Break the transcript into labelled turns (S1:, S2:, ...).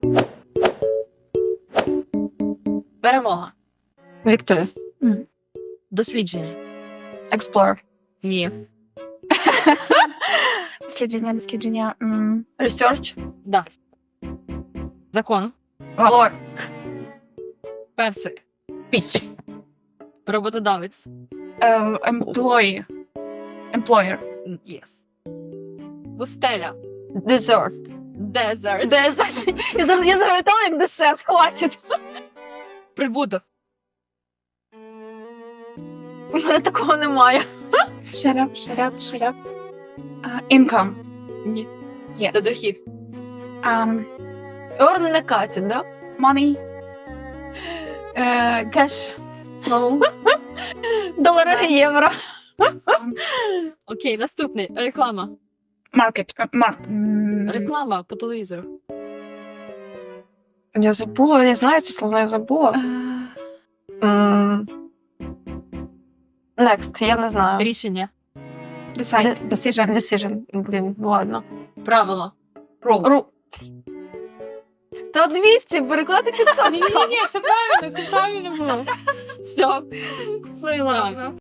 S1: Перемога.
S2: Victory.
S1: Дослідження.
S2: Explore.
S1: Ні.
S2: Дослідження. Research.
S1: Да. Закон.
S2: Law.
S1: Персик.
S2: Peach.
S1: Роботодавець.
S2: Employee. Employer.
S1: Yes. Пустеля.
S2: Dessert.
S1: Дезерт.
S2: Desert. Я завертала як десерт, хватить.
S1: Прибуток.
S2: У мене такого немає. Shut up. Income.
S1: Ні.
S2: Є.
S1: Це дохід.
S2: Earn не катять, да? Money. Cash. Долари, євро.
S1: Окей, наступний. Реклама.
S2: Market.
S1: Реклама по телевізору.
S2: Я забула, я знаю ці слова, я забула. Next, я не знаю.
S1: Рішення.
S2: Decision. Блін, ладно.
S1: Правило.
S2: Та 200, переклади 500.
S1: Ні, все правильно було. Все.
S2: Ну і ладно.